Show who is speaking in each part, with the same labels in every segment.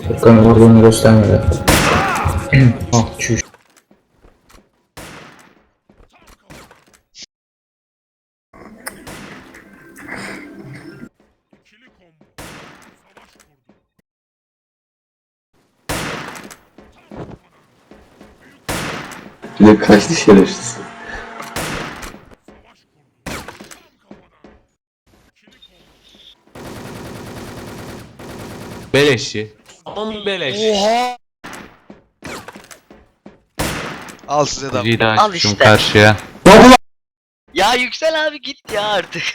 Speaker 1: Ekranı vurduğunu göstermedi. Ah çüş.
Speaker 2: Bir de kaçtı şerefsiz.
Speaker 3: Beleşçi. Aman beleş.
Speaker 4: Oha! Al size de.
Speaker 3: Bir daha
Speaker 5: Al
Speaker 3: çıkmışım
Speaker 5: işte.
Speaker 3: karşıya.
Speaker 5: Ya Yüksel abi git ya artık.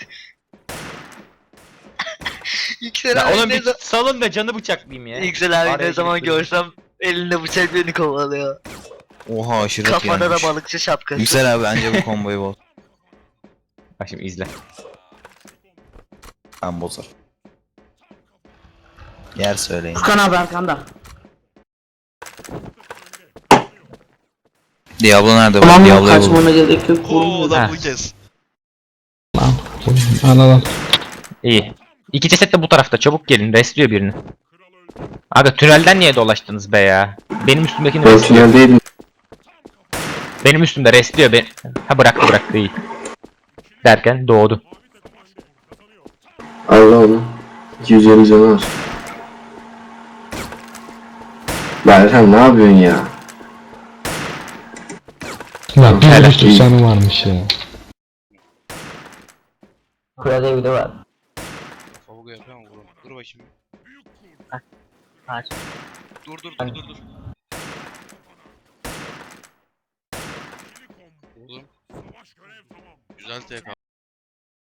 Speaker 5: Yüksel
Speaker 6: Ya
Speaker 5: abi
Speaker 6: oğlum
Speaker 5: ne
Speaker 6: bir
Speaker 5: zaman...
Speaker 6: salın da canı bıçaklayayım ya.
Speaker 5: Yüksel abi
Speaker 6: Araya
Speaker 5: ne zaman
Speaker 6: girip
Speaker 5: görsem elinde bıçak beni kovalıyor.
Speaker 7: Oha aşırı
Speaker 5: Kafada da
Speaker 7: yanmış.
Speaker 5: balıkçı şapkası.
Speaker 7: Yüksel abi bence bu komboyu boz.
Speaker 6: Bak şimdi izle.
Speaker 7: Ben bozar. Yer söyleyin.
Speaker 1: Furkan abi arkanda.
Speaker 7: Diablo nerede?
Speaker 1: Tamam mı?
Speaker 7: Diablo'yu buldum.
Speaker 1: Kaçmana gerek yok.
Speaker 4: Oo
Speaker 6: Ha.
Speaker 4: da bu kez.
Speaker 1: Anladım.
Speaker 6: İyi. İki ceset de bu tarafta, çabuk gelin, restliyor birini. Aga tünelden niye dolaştınız be ya? Benim üstümdekini
Speaker 2: Ben
Speaker 6: restliyor.
Speaker 2: tüneldeydim.
Speaker 6: Benim üstümde restliyor ben. Ha bıraktı iyi. Derken doğdu.
Speaker 2: Allah onu. 250 canı var. Berhan ne yapıyorsun ya?
Speaker 8: Ya bir
Speaker 6: Helal.
Speaker 8: buçuk canı varmış ya.
Speaker 1: Kurada evde var.
Speaker 4: Favuga yapıyor ama vurun. Dur bakayım.
Speaker 5: Aç.
Speaker 4: Dur. Vurdum. Güzel TK.